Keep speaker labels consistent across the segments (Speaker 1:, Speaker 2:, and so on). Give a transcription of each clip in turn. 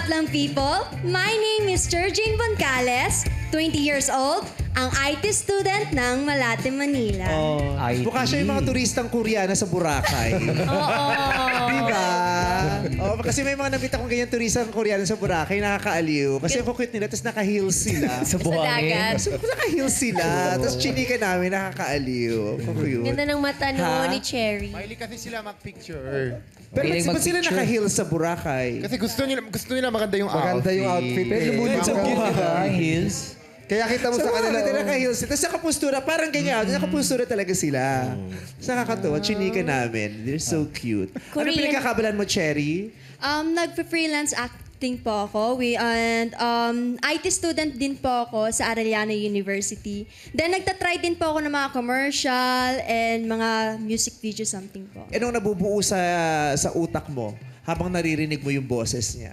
Speaker 1: Madlang people? My name is Jane Boncales, 20 years old, ang IT student ng Malate, Manila.
Speaker 2: IT.
Speaker 3: Mukha siya yung mga turistang Koreana sa Boracay.
Speaker 1: Oo.
Speaker 3: Diba? Oh, kasi may mga nabita kong ganyan turistang Koreana sa Boracay, nakakaaliw. Kasi ang cute nila, tapos naka-heels sila.
Speaker 2: Sa buhangin.
Speaker 4: dagat.
Speaker 3: So, naka-heels sila, tapos chinika namin, nakakaaliw. Cute.
Speaker 4: Ganda ng mata
Speaker 3: Ha?
Speaker 4: ni Cherry.
Speaker 5: Mahilig kasi sila mag-picture.
Speaker 3: Pero
Speaker 2: Piling
Speaker 3: ba't sila
Speaker 2: mag-picture.
Speaker 3: naka-heels sa Boracay?
Speaker 5: Kasi gusto nila maganda yung
Speaker 6: Maganda yung outfit.
Speaker 5: Pero
Speaker 6: Lumulid sa buhay.
Speaker 2: Ang heels.
Speaker 6: Kaya kita mo
Speaker 3: Sa
Speaker 6: sa
Speaker 3: mga
Speaker 6: kanila.
Speaker 3: kanila naka-heels. Tapos nakapustura, parang ganyan. Nakapustura talaga sila. Tapos nakakatuwa, chinika namin. They're so cute. Ano
Speaker 4: Korean.
Speaker 3: pinagkakabalan mo, Cherry?
Speaker 1: Nagpe-freelance acting po ako. And IT student din po ako sa Arellano University. Then nagtatry din po ako ng mga commercial and mga music video something po.
Speaker 3: Anong nabubuo sa utak mo habang naririnig mo yung boses niya?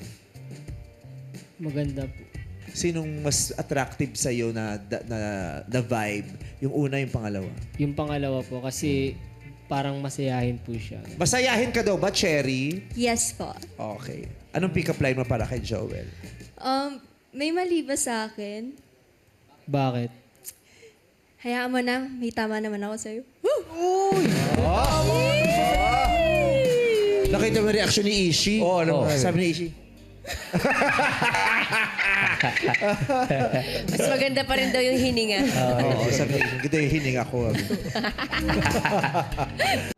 Speaker 7: Maganda po.
Speaker 3: Sinong mas attractive sa'yo na vibe? Yung una, yung pangalawa?
Speaker 7: Yung pangalawa po kasi parang masayahin po siya.
Speaker 3: Masayahin ka daw ba, Cherry?
Speaker 1: Yes po.
Speaker 3: Okay. Anong pick-up line mo para kay Joel?
Speaker 1: May mali ba sa akin?
Speaker 7: Bakit?
Speaker 1: Hayaan mo na, may tama naman ako sa'yo.
Speaker 3: Nakita mo yung reaction ni Ishi?
Speaker 6: Oo, ano ba?
Speaker 3: Sabi ni Ishi,
Speaker 4: Mas maganda pa rin daw yung hininga.
Speaker 3: oo, sabi ni Ishi, ganda yung hininga ko.